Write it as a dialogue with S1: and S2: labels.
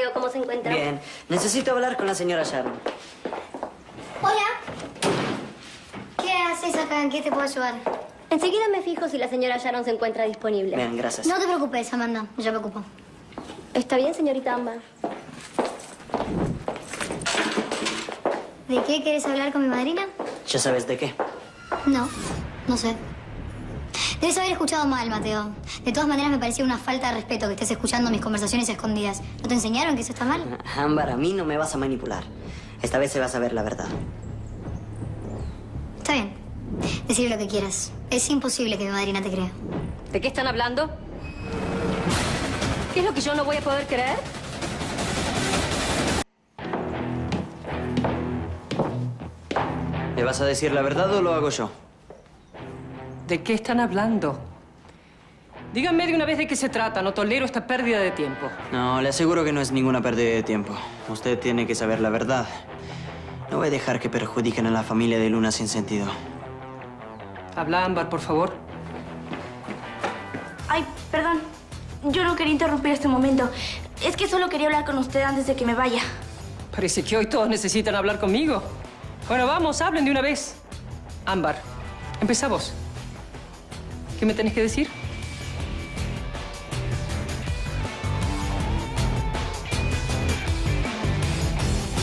S1: ¿Cómo se encuentra?
S2: Bien. Necesito hablar con la señora Sharon.
S3: Hola. ¿Qué haces acá? ¿En qué te puedo ayudar?
S1: Enseguida me fijo si la señora Sharon se encuentra disponible.
S2: Bien, gracias.
S3: No te preocupes, Amanda. Yo me ocupo.
S1: ¿Está bien, señorita Ámbar?
S3: ¿De qué quieres hablar con mi madrina?
S2: ¿Ya sabes de qué?
S3: No, no sé. Debes haber escuchado mal, Mateo. De todas maneras, me parecía una falta de respeto que estés escuchando mis conversaciones escondidas. ¿No te enseñaron que eso está mal?
S2: Ámbar, a mí no me vas a manipular. Esta vez se va a saber la verdad.
S3: Está bien. Decir lo que quieras. Es imposible que mi madrina te crea.
S1: ¿De qué están hablando? ¿Qué es lo que yo no voy a poder creer?
S2: ¿Le vas a decir la verdad o lo hago yo?
S4: ¿De qué están hablando? Díganme de una vez de qué se trata. No tolero esta pérdida de tiempo.
S2: No, le aseguro que no es ninguna pérdida de tiempo. Usted tiene que saber la verdad. No voy a dejar que perjudiquen a la familia de Luna sin sentido.
S4: Habla, Ámbar, por favor.
S5: Ay, perdón. Yo no quería interrumpir este momento. Es que solo quería hablar con usted antes de que me vaya.
S4: Parece que hoy todos necesitan hablar conmigo. Bueno, vamos, hablen de una vez. Ámbar, empezá vos. ¿Qué me tenés que decir?